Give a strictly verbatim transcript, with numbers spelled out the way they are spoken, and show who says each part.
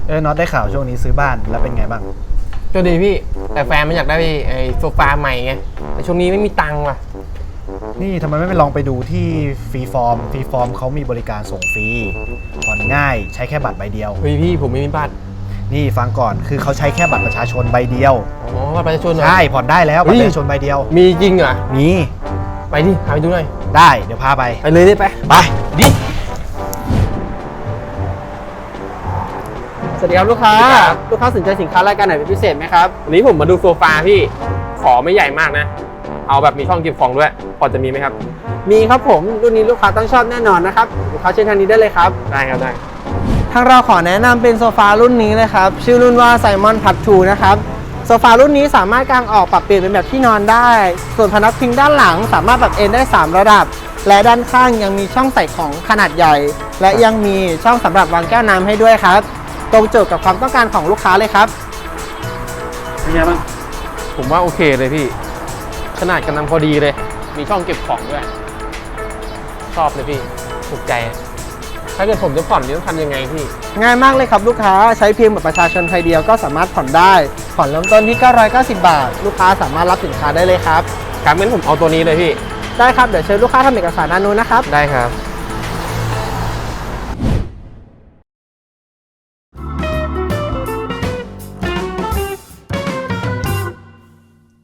Speaker 1: เออน็อตได้ข่าวช่วงนี้ซื้อบ้านแล้วเป็นไงบ้าง
Speaker 2: ก็ดีพี่แต่แฟนมันอยากได้ไอ้โซฟาใหม่ไงแต่ช่วงนี้ไม่มีตังค์ว่ะ
Speaker 1: นี่ทำไมไม่ไปลองไปดูที่ฟรีฟอร์มฟรีฟอร์มเขามีบริการส่งฟรีผ่อนง่ายใช้แค่บัตรใบเดียว
Speaker 2: เฮ้ยพี่ผมไม่มีบัตร
Speaker 1: นี่ฟังก่อนคือเขาใช้แค่บัตรประชาชนใบเดียว
Speaker 2: อ๋อบัตรประชาชน
Speaker 1: ใช่ผ่อนได้แล้วบัตรประชาชนใบเดียว
Speaker 2: มีจริงเหรอ
Speaker 1: มี
Speaker 2: ไปดิพาไปดูหน่อย
Speaker 1: ได้เดี๋ยวพาไป
Speaker 2: ไปเลยได้ไป
Speaker 1: ไปดิ
Speaker 2: สวัสดีครับลูกค้าลูกค้าสนใจสินค้ารายการไหนเป็นพิเศษไหมครับวันนี้ผมมาดูโซฟาพี่ขอไม่ใหญ่มากนะเอาแบบมีช่องเก็บของด้วยพอจะมีไหมครับ
Speaker 3: มีครับผมรุ่นนี้ลูกค้าต้องชอบแน่นอนนะครับลูกค้าเชิญทางนี้ได้เลยครับ
Speaker 2: ได้ครับได้
Speaker 3: ทางเราขอแนะนำเป็นโซฟารุ่นนี้เลยครับชื่อรุ่นว่าไซมอนพับทูนะครับโซฟารุ่นนี้สามารถกางออกปรับเปลี่ยนเป็นแบบที่นอนได้ส่วนพนักพิงด้านหลังสามารถปรับเอนได้สามระดับและด้านข้างยังมีช่องใส่ของขนาดใหญ่และยังมีช่องสำหรับวางแก้วน้ำให้ด้วยครับตรงโจทย์กับความต้องการของลูกค้าเลยครับ
Speaker 1: เป็นไงบ้าง
Speaker 2: ผมว่าโอเคเลยพี่ขนาดกำลังพอดีเลยมีช่องเก็บของด้วยชอบเลยพี่ถูกใจถ้าเกิดผมจะผ่อนนี่ต้องทำยังไงพี่
Speaker 3: ง่ายมากเลยครับลูกค้าใช้เพียงบัตรประชาชนใบเดียวก็สามารถผ่อนได้ผ่อนเริ่มต้นที่เก้าร้อยเก้าสิบบาทลูกค้าสามารถรับสินค้าได้เลยครับ
Speaker 2: ครับงั้นผมเอาตัวนี้เลยพี่
Speaker 3: ได้ครับเดี๋ยวเชิญลูกค้าทำเอกสารด้านนู้นนะครับ
Speaker 2: ได้ครับ